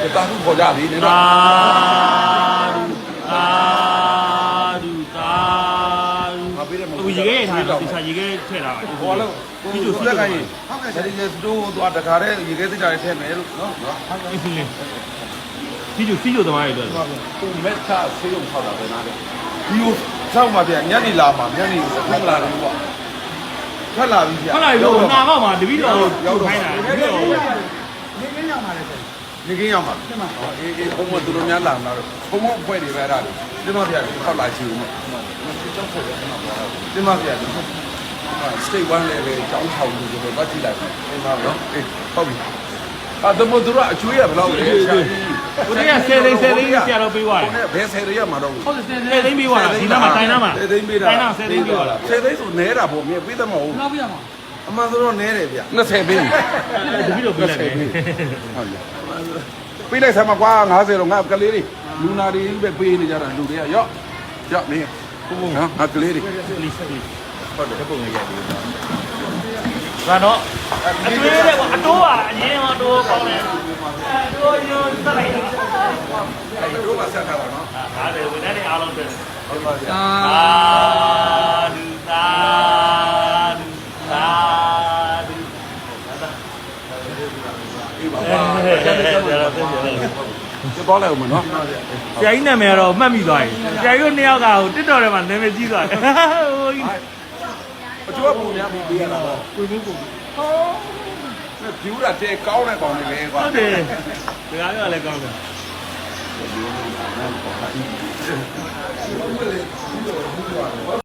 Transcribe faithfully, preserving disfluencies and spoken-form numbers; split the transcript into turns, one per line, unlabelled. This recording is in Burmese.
တာခုခေါ်ကြလေနေတော့
သာသာဒူသာအခုရေခဲထားတာဒီစားရေခဲထည့်တာ
ခေါ်လို့ဒီလိုဆွဲခိုင်းရင်ဒါဒီစတိုးသွားတခါတည်းရေခဲသိကြရထည့်မယ်လို့နော်
စီကျူစီကျူသမားတွေတော့
သူမက်တာဆေးရုံထောက်တာပဲနားတယ်ဒီကိုစောက်မှပြန်ညနေလာမှညနေထွက်လာတယ်ပေါ့ထွက်လာပြီဗျာ
ထွက်လာပြီတော့နာတော့မှတပည့်တော်ရောက်ခိုင်းတာတပည့်တော်
နေကင်းရောက်มาเลยဆို
နေကင်းရောက်မှာအေးအေးဘုံမသူတို့များလာမှာတော့ဘုံမအဖွဲ့တွေပဲအဲ့ဒါလေဒီမှာဗျာထောက်လာချီဦးမဒီမှာဗျာစတိတ်ဝမ်းလည်းပဲကြောင်းထောင်လို့ဆိုတော့ကြည့်လိုက်အိမ်မှာနော်အေးဟုတ်ပြီအဲ့ဒါမို့သူတို့အကျွေးရဘယ်လောက်လဲဆရာကြီး
ကိုတည်းကဆယ်သိန်းဆယ်သိန်းဆရာတော်ပေးသွားတယ်
ဘယ်ဆယ်ရရမှာတော့
ဟုတ်တယ်ဆယ်သိန်းပေးသွားတာဒီနားမှာတိုင်းနားမှာ
ဆယ်သိန်းပေးတာ
တိုင်းနားဆယ်သိန်းပေးသွားတာ
ဆယ်သိန်းဆိုနဲတာပေါ့မြေပေးတယ်မဟုတ်
နောက်ပြရမှာ
အမှန်ဆိုတော့နဲတယ်ဗျနှစ်ဆယ်ပေး
တပည့်တော်ပေးလိုက်တယ်
ဟုတ်ပြီပေးလိုက်ဆမ်းမကွာငါးဆယ်တော့ငါကလေးတွေလူနာတွေပဲပေးနေကြတာလူတွေကရော့ရော့နေဟုတ်ဟုတ်နော်ငါကလေးတွေ
ဟုတ်တယ်ပုံလေးရိုက်ပြီးတော့ကတော့အတွေးတဲ့ကွာအတိုးပါအရင်ကအတိုးကောင်းတယ်အတိုးရိုးတက်လိုက်တာ
အဲ့တို့ကဆက်ထားတာနော်
ဟာတယ်ဝင်တဲ့အားလုံးတယ်
ဟုတ်ပါဗျာ
သာဒူသာဒူသာဒူ
အေးပါပါဒီပေါ်လိုက်ဦးမနော်
ဆရာကြီးနာမည်ကတော့မှတ်မိသွားပြီဆရာကြီးတို့နှစ်ယောက်ကဟိုတစ်တော်ထဲမှာနာမည်ကြီးသွားတယ်ဟို
အကျိုးပုံများပြီးပေးရတာပေါ့
ကိုကြီးကို
ဟောဖြူတာတဲ့ကောင်းတဲ့ကောင်တွေပဲကွာ
ဟုတ်တယ်ဒီကားကလည်းကောင်းတယ်